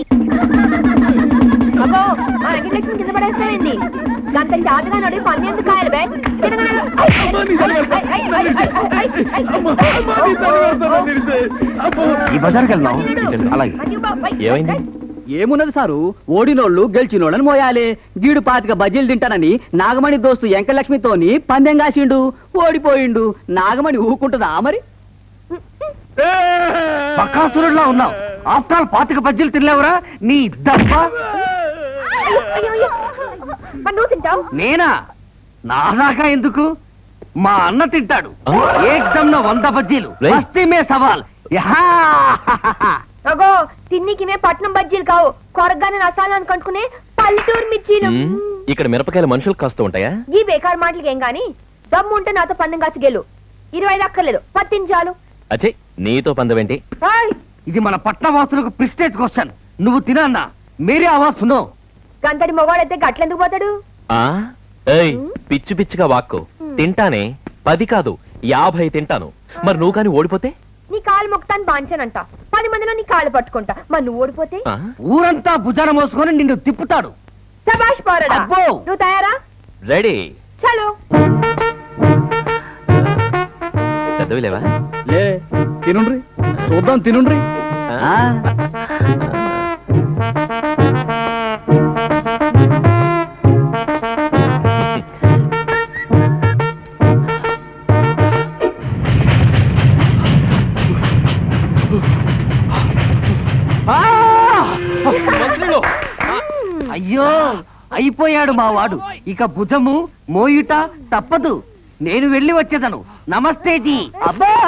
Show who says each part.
Speaker 1: అబ్బో ఆ అఖిలక్ష్మి కింద పడేస్తావేంది గంట చాటుగా నడి పని ఎందుకు కాయలు బే
Speaker 2: ఈ బజార్కి వెళ్దాం. అలాగే.
Speaker 3: ఏమైంది?
Speaker 4: ఏమున్నది సారు, ఓడినోళ్ళు గెలిచినోళ్ళని మోయాలి. గీడు పాతిక బజ్జీలు తింటానని నాగమణి దోస్తు ఎంకలక్ష్మితోని పందెం కాసిండు, ఓడిపోయిండు. నాగమణి ఊకుంటుందా మరి?
Speaker 2: బకాసురుడిలా ఉన్నావు. ఆఫ్టర్ ఆల్ 25 బజ్జీలు తినలేవురా నీ దబ్బ.
Speaker 1: నువ్వు తింటావు
Speaker 2: నేనా? నాదాకా ఎందుకు, మా అన్న తింటాడు. ఏకదమ్ 100 బజ్జీలు. మస్తీ మే సవాల్.
Speaker 1: అగో తిన్నికినే పట్నం బజ్జీలు కావు, కొరగానే రసాలను కట్టుకునే పల్లెటూరు మిర్చీలు.
Speaker 3: ఇక్కడ మిరపకాయలు మనుషులకు కాస్తూ ఉంటాయా?
Speaker 1: ఈ బేకార్ మాటలకి ఏం గాని దమ్ము ఉంటే నాతో పందెం కాసి గెలు. 25 అక్కర్లేదు, 10 చాలు.
Speaker 3: అచ్చే, నీతో పందవేంటి?
Speaker 2: ఇది మన పట్టణవాసులకు ప్రిస్టేజ్ క్వశ్చన్. నువ్వు తినన్నా మేరే ఆవాజ్ సునో.
Speaker 1: గంతడి మొగాడైతే గట్లెందుకు పోతాడు?
Speaker 3: ఏయ్, పిచ్చి పిచ్చిగా వాక్కు. తింటానే, 10 కాదు 50 తింటాను. మరి నువ్వు కాని ఓడిపోతే?
Speaker 1: నీ కాలు మొక్తాను బాంచానంట, 10 మందిలో నీ కాళ్ళు పట్టుకుంటా. మరి నువ్వు ఓడిపోతే
Speaker 2: ఊరంతా భుజాన మోసుకొని నిన్ను తిప్పుతాడు.
Speaker 1: శభాష్ పోరడా.
Speaker 2: అబ్బో.
Speaker 1: నువ్వు తయారా?
Speaker 3: రెడీ.
Speaker 1: చలో.
Speaker 3: పెద్దవి లేవా?
Speaker 4: లే, తినుండ్రి చూద్దాం, తినుండ్రి.
Speaker 2: అయ్యో అయిపోయాడు మా వాడు. ఇక భుజము మోయుట తప్పదు. నేను వెళ్ళి వచ్చేదను. నమస్తే జీ. అబ్బా.